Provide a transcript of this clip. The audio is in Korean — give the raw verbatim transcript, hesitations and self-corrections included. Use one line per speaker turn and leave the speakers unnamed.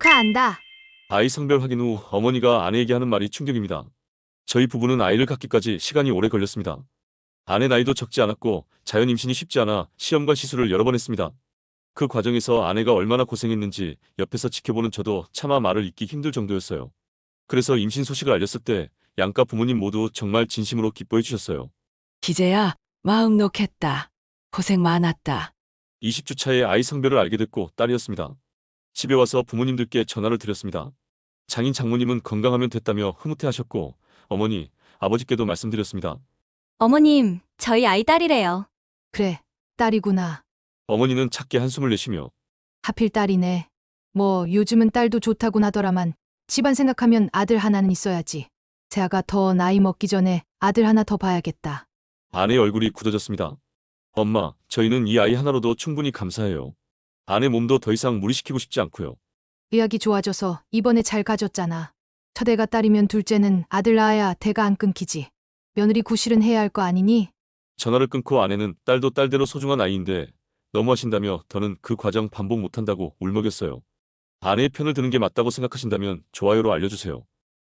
축하한다.
아이 성별 확인 후 어머니가 아내에게 하는 말이 충격입니다. 저희 부부는 아이를 갖기까지 시간이 오래 걸렸습니다. 아내 나이도 적지 않았고 자연 임신이 쉽지 않아 시험과 시술을 여러 번 했습니다. 그 과정에서 아내가 얼마나 고생했는지 옆에서 지켜보는 저도 차마 말을 잇기 힘들 정도였어요. 그래서 임신 소식을 알렸을 때 양가 부모님 모두 정말 진심으로 기뻐해 주셨어요.
기재야, 마음 놓겠다. 고생 많았다.
이십 주 차에 아이 성별을 알게 됐고 딸이었습니다. 집에 와서 부모님들께 전화를 드렸습니다. 장인 장모님은 건강하면 됐다며 흐뭇해하셨고 어머니, 아버지께도 말씀드렸습니다.
어머님, 저희 아이 딸이래요.
그래, 딸이구나.
어머니는 작게 한숨을 내쉬며
하필 딸이네. 뭐 요즘은 딸도 좋다곤 하더라만 집안 생각하면 아들 하나는 있어야지. 재아가 더 나이 먹기 전에 아들 하나 더 봐야겠다.
아내의 얼굴이 굳어졌습니다. 엄마, 저희는 이 아이 하나로도 충분히 감사해요. 아내 몸도 더 이상 무리시키고 싶지 않고요.
의학이 좋아져서 이번에 잘 가졌잖아. 첫애가 딸이면 둘째는 아들 낳아야 대가 안 끊기지. 며느리 구실은 해야 할 거 아니니?
전화를 끊고 아내는 딸도 딸대로 소중한 아이인데 너무하신다며 더는 그 과정 반복 못한다고 울먹였어요. 아내의 편을 드는 게 맞다고 생각하신다면 좋아요로 알려주세요.